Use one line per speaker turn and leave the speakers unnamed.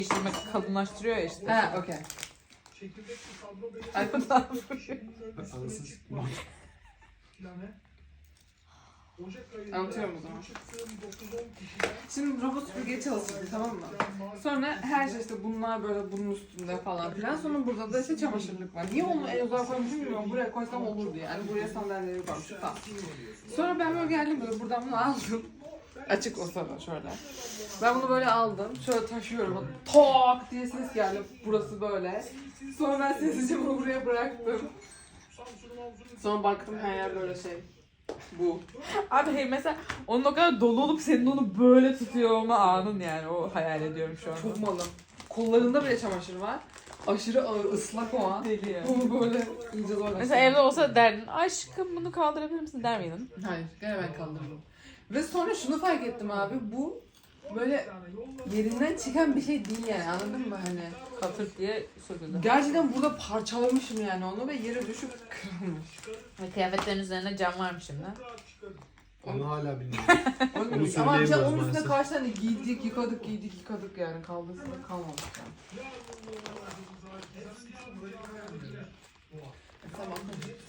değiştirmek kalınlaştırıyor ya işte.
Ha, okey. Anlatıyorum o zaman. Şimdi robot süpürgeye çalıştık, tamam mı? Sonra her şey işte bunlar böyle bunun üstünde falan filan. Sonra burada da işte çamaşırlık var. Niye onu en uzağa koymuşum bilmiyorum. Buraya koysam olurdu yani. Buraya sandalyeleri koymuşum. Tamam. Sonra ben böyle geldim böyle buradan bunu aldım. Açık o sırada şöyle. Ben bunu böyle aldım. Şöyle taşıyorum. Tok diye ses geldi. Burası böyle. Sonra ben sessizce bunu buraya bıraktım. Sonra baktım her yer böyle şey. Bu.
Abi hey, mesela onun o kadar dolu olup senin onu böyle tutuyor olma anın yani. O hayal ediyorum şu an.
Çok malım. Kollarında bile çamaşır var. Aşırı ağır, ıslak o an.
Deli ya.
Bunu böyle iyice zorla.
Mesela evde olsa derdin, aşkım bunu kaldırabilir misin der miydin?
Hayır, gene ben kaldırdım. Ve sonra şunu fark ettim abi, bu böyle yerinden çıkan bir şey değil yani, anladın mı hani?
Katır diye söküldü.
Gerçekten burada parçalamışım yani onu ve yere düşüp kırılmış.
Ve kıyafetlerin üzerinde cam varmış şimdi.
Onu hala bilmiyorum.
Onu
Onu
ama bir
söyleyemez
şey onun üstüne
maalesef.
kaç tane giydik yıkadık yani, kaldırsın kalmamış yani. Tamam.